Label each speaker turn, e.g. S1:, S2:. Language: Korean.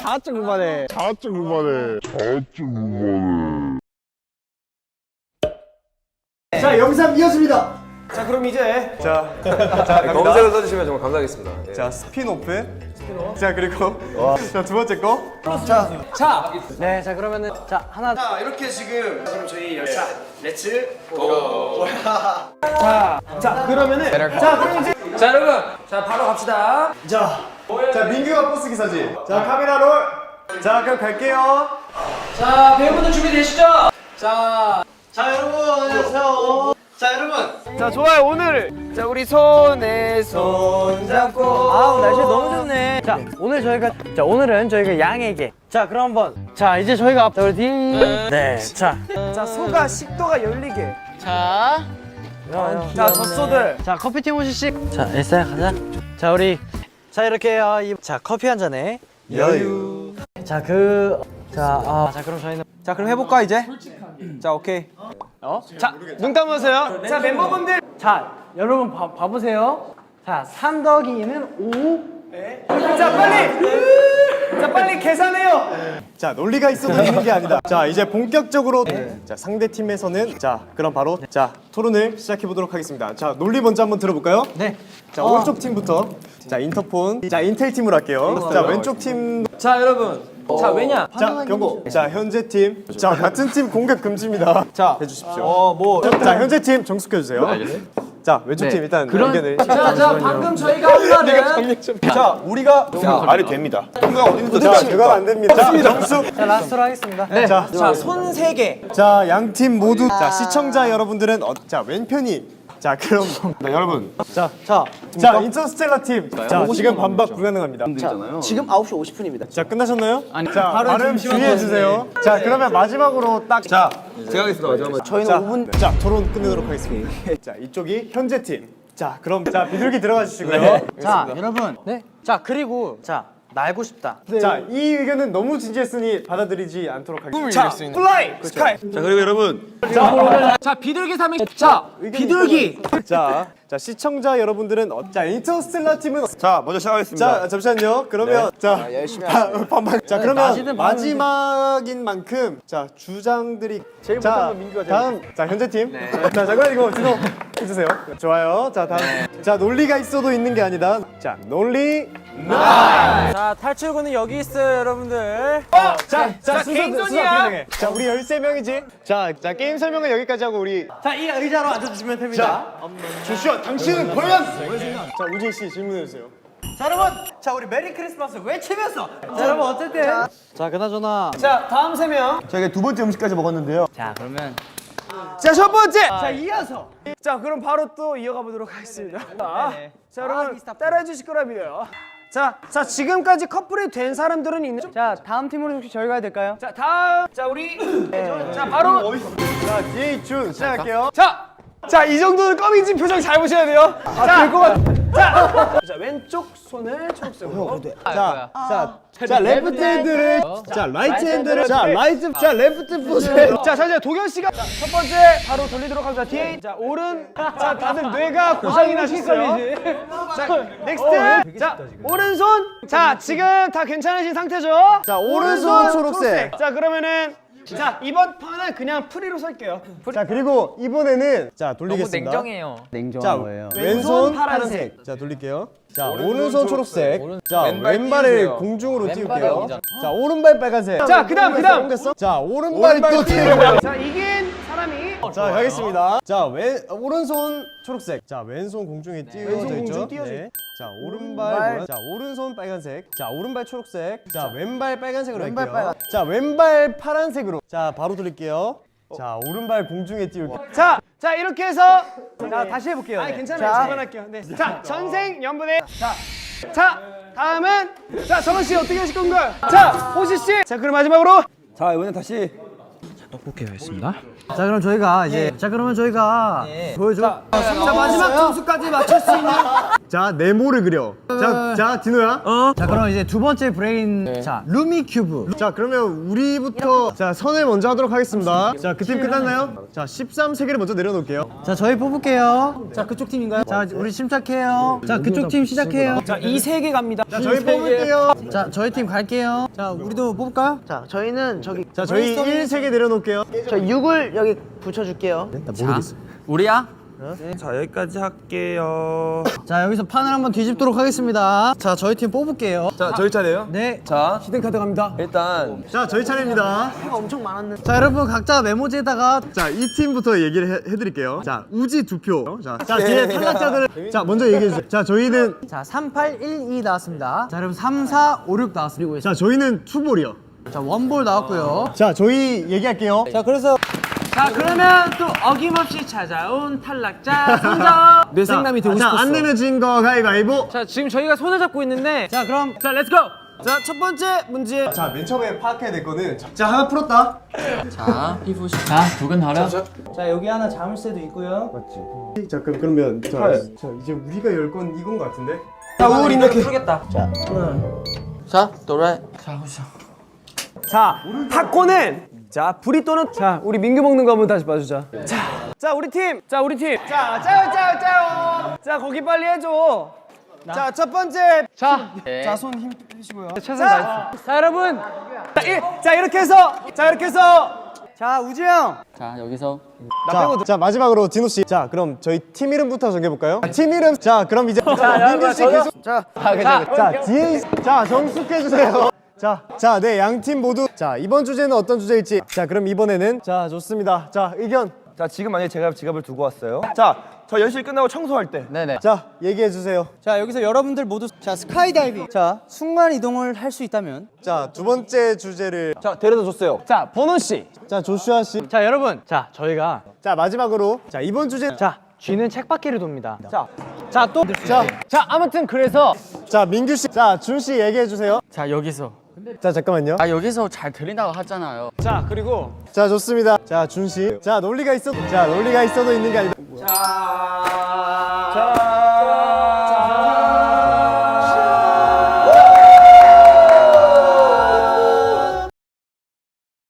S1: 자아증 그만해.
S2: 자, 영상 이어집니다.
S3: 자, 그럼 이제
S4: 검색을 써주시면 정말 감사하겠습니다. 예.
S2: 자, 스피노프. 자, 그리고 자, 두 번째 거.
S1: 네, 자 그러면은 자 하나.
S3: 자, 이렇게 지금 그럼 저희 열차 렛츠 고. 자, 그러면은 자, 그럼 이제
S4: 자 여러분, 자 바로 갑시다.
S2: 자, 민규가 버스 기사지. 자, 카메라 롤. 자, 그럼 갈게요.
S4: 자 배우분들 준비되시죠?
S3: 자, 여러분 안녕하세요. 자, 여러분. 자, 좋아요. 오늘 자, 우리 손에 손 잡고.
S1: 아우 날씨 너무 좋네. 자 오늘은 저희가 양에게. 자 그럼 한번. 자 이제 저희가 우리 네. 자
S3: 소가 식도가 열리게.
S1: 자,
S3: 젖소들.
S1: 자 커피팀 오시씩. 자 엘사야 가자. 자 우리 자 이렇게 자 커피 한 잔에 여유. 자 그럼 저희는
S3: 자, 그럼 해볼까 이제? 자, 오케이. 자, 눈 감으세요. 자, 멤버분들.
S1: 자 여러분 봐보세요. 자 3 더하기는 5.
S3: 자, 빨리 계산해요.
S2: 자, 논리가 있어도 있는 게 아니다. 자, 이제 본격적으로 자, 상대 팀에서는 자, 그럼 바로 자, 토론을 시작해 보도록 하겠습니다. 자, 논리 먼저 한번 들어볼까요?
S1: 네.
S2: 자, 오른쪽 팀부터. 자, 인터폰. 자, 인텔 팀으로 할게요. 자, 왼쪽 팀.
S4: 자 여러분, 자 왜냐?
S2: 자, 경고. 자, 현재 팀. 자, 같은 팀 공격 금지입니다. 자, 해주십시오. 자, 현재 팀 정숙해 주세요. 자, 왼쪽 팀 일단 연결을.
S4: 자 방금 저희가 한 말은
S2: 자, 우리가 말이 됩니다. 통과 어디부터? 자, 그건 안 됩니다. 자, 정숙.
S1: 자 라스트로 하겠습니다. 네.
S2: 자,
S3: 손 3개.
S2: 자, 양 팀 모두 자, 시청자 여러분들은 자, 왼편이 자, 그럼 네, 여러분.
S1: 자
S2: 자, 인터스텔라 팀. 자, 지금 반박 불가능합니다.
S3: 지금 9시 50분입니다.
S2: 자, 끝나셨나요? 자, 발음 주의해 주세요. 자, 그러면 마지막으로 딱 자,
S4: 제가 하겠습니다. 마지막으로.
S3: 저희는 5분.
S2: 자, 토론 끝내도록 하겠습니다. 자, 이쪽이 현재 팀. 자, 그럼 자, 비둘기 들어가 주시고요.
S1: 자 여러분. 네. 자 그리고 자 날고 싶다.
S2: 자, 이 의견은 너무 진지했으니 받아들이지 않도록 하겠습니다.
S3: 자, 플라이 스카이.
S4: 자 그리고 여러분,
S3: 자, 비둘기 삼행. 자, 비둘기.
S2: 자, 시청자 여러분들은 자, 인터스텔라 팀은
S4: 자 먼저 시작하겠습니다.
S2: 자, 잠시만요. 그러면 자, 열심히 반반. 자, 그러면 마지막인 만큼 자, 주장들이 제일 못한 건 민규가 다음 자, 현재 팀. 자, 잠깐 이거 주소 해 주세요. 좋아요. 자, 다음. 자, 논리가 있어도 있는 게 아니다. 자, 논리
S1: 자 탈출구는 여기 있어요 여러분들.
S2: 자,
S3: 개인전이야.
S2: 자, 우리 13명이지. 자, 게임 설명은 여기까지 하고 우리
S1: 자 이 의자로 앉아주시면 됩니다.
S2: 조슈아, 당신은 과연 자, 우진 씨 질문해 주세요.
S1: 자 여러분, 자 우리 메리 크리스마스 외치면서. 자 여러분 어쨌든. 자 그나저나.
S3: 자, 다음 3명.
S2: 저희가 두 번째 음식까지 먹었는데요.
S1: 자 그러면.
S3: 자, 첫 번째.
S1: 자 이어서.
S3: 자, 그럼 바로 또 이어가 보도록 하겠습니다. 자, 여러분 따라해 주실 거라 믿어요. 자, 지금까지 커플이 된 사람들은 있는.
S1: 자 다음 팀으로 혹시 저희가 해야 될까요?
S3: 자, 다음. 자, 우리 자, 바로
S2: 자, 제이준 시작할게요.
S3: 자, 이 정도는 껌인지 표정 잘 보셔야 돼요. 될것 같아. 자, 왼쪽 손을 초록색으로.
S2: 자, 레프트 핸드를 자, 라이트 핸드를 자, 레프트 풋을
S3: 자, 잠시만 도겸 씨가 첫 번째 바로 돌리도록 합니다. 뒤에 자, 오른. 자, 다들 뇌가 고장이 나셨어요. 자, 넥스트. 자, 오른손. 자, 지금 다 괜찮으신 상태죠?
S2: 자, 오른손 초록색.
S3: 자, 그러면은 자, 이번 판은 그냥 프리로 설게요.
S2: 자, 그리고 이번에는 자, 돌리겠습니다. 자, 왼손 파란색. 자, 돌릴게요. 자, 오른손 초록색. 자, 왼발을 공중으로 띄울게요. 자, 오른발 빨간색.
S3: 자, 그다음.
S2: 자, 오른발 또 띄우고요.
S3: 자, 이긴 사람이
S2: 자, 가겠습니다. 자, 오른손 초록색. 자, 왼손 공중에 띄워져 있죠. 네. 자, 오른발 노란. 자, 오른손 빨간색. 자, 오른발 초록색. 자, 왼발 빨간색으로 할게요. 자, 왼발 파란색으로. 자, 바로 돌릴게요. 자, 오른발 공중에 띄울게요.
S3: 자, 이렇게 해서
S1: 자 다시 해볼게요.
S3: 아니, 괜찮아요. 그만할게요. 네. 자, 전생 연분의 자, 다음은 자, 정원 씨 어떻게 하실 건가요? 자, 호시 씨. 자, 그럼 마지막으로
S4: 자 이번엔 다시
S3: 떡볶이 하겠습니다.
S1: 자 그럼 저희가 이제 자 그러면 저희가 보여줘.
S3: 자 마지막 점수까지 맞출 수 있는.
S2: 자 네모를 그려. 자 디노야.
S1: 자 그럼 이제 두 번째 브레인 자 루미 큐브.
S2: 자 그러면 우리부터 자 선을 먼저 하도록 하겠습니다. 자 그 팀 끝났나요? 자 13세개를 먼저 내려놓을게요.
S1: 자 저희 뽑을게요. 자 그쪽 팀인가요? 자 우리 침착해요. 자 그쪽 팀 시작해요.
S3: 자 이 세 개 갑니다.
S2: 자 저희 뽑을게요.
S1: 자 저희 팀 갈게요. 자 우리도 뽑을까요?
S5: 자, 저희는 저기
S2: 자 저희 1세개 내려놓을게요.
S5: 저 6을 여기 붙여줄게요.
S1: 우리야?
S4: 자 여기까지 할게요.
S1: 자 여기서 판을 한번 뒤집도록 하겠습니다. 자 저희 팀 뽑을게요.
S4: 자 저희 차례요.
S1: 네.
S4: 자
S3: 히든 카드 갑니다.
S4: 일단
S2: 자 저희 차례입니다.
S5: 엄청 많았는데.
S1: 자 여러분 각자 메모지에다가
S2: 자 이 팀부터 얘기를 해드릴게요. 자 우지 2표. 자 뒤에 탈락자들을 자 먼저 얘기해 주세요. 자 저희는
S1: 자 3, 8, 1, 2 나왔습니다. 자 여러분 3, 4, 5, 6 나왔습니다.
S2: 자 저희는 투볼이요.
S1: 자 원볼 나왔고요.
S2: 자 저희 얘기할게요.
S1: 자 그래서
S6: 자 그러면 또 어김없이 찾아온 탈락자 선정.
S3: 뇌생남이 되고 싶었어.
S2: 자안 내면 진 거 가위바위보.
S6: 자 지금 저희가 손을 잡고 있는데
S1: 자 그럼
S6: 자 렛츠고.
S3: 자 첫 번째 문제.
S2: 자 맨 처음에 파악해야 될 거는 자 하나 풀었다.
S1: 자 여기 하나 자물쇠도 있고요.
S2: 맞지. 자 그러면 자 이제 우리가 열 건 이건 거 같은데.
S3: 자 우리 이렇게. 자 타코는 자 브리또는 자 우리 민규 먹는 거 한번 다시 봐주자. 자 우리 팀. 자 우리 팀. 자 짜요. 자 거기 빨리 해줘. 자 첫 번째. 자손 힘 빼시고요.
S6: 최선을 다했어. 자 여러분
S3: 자 이렇게 해서
S1: 자 우지 형.
S2: 자 마지막으로 디노 씨. 자 그럼 저희 팀 이름부터 정해 볼까요? 팀 이름. 자 그럼 이제 민규 씨 계속. 자 뒤에 자 정숙해 주세요. 자 네 양 팀 모두 자 이번 주제는 어떤 주제일지. 자 그럼 이번에는 자 좋습니다. 자 의견.
S4: 자 지금 만약에 제가 지갑을 두고 왔어요. 자저 연실 끝나고 청소할 때.
S2: 자 얘기해 주세요.
S1: 자 여기서 여러분들 모두 자 스카이다이빙. 자 순간 이동을 할 수 있다면.
S2: 자 두 번째 주제를
S4: 자 데려다 줬어요.
S3: 자 버논 씨.
S2: 자 조슈아 씨.
S1: 자 여러분 자 저희가
S2: 자 마지막으로 자 이번 주제
S1: 자 쥐는 책바퀴를 돕니다.
S3: 자 아무튼 그래서
S2: 자 민규 씨. 자 준 씨 얘기해 주세요.
S7: 자 여기서
S2: 자 잠깐만요.
S7: 여기서 잘 들린다고 하잖아요.
S3: 자 그리고
S2: 자 좋습니다. 자 준 씨. 자 논리가 있어도 있는 게 아니다.
S3: 자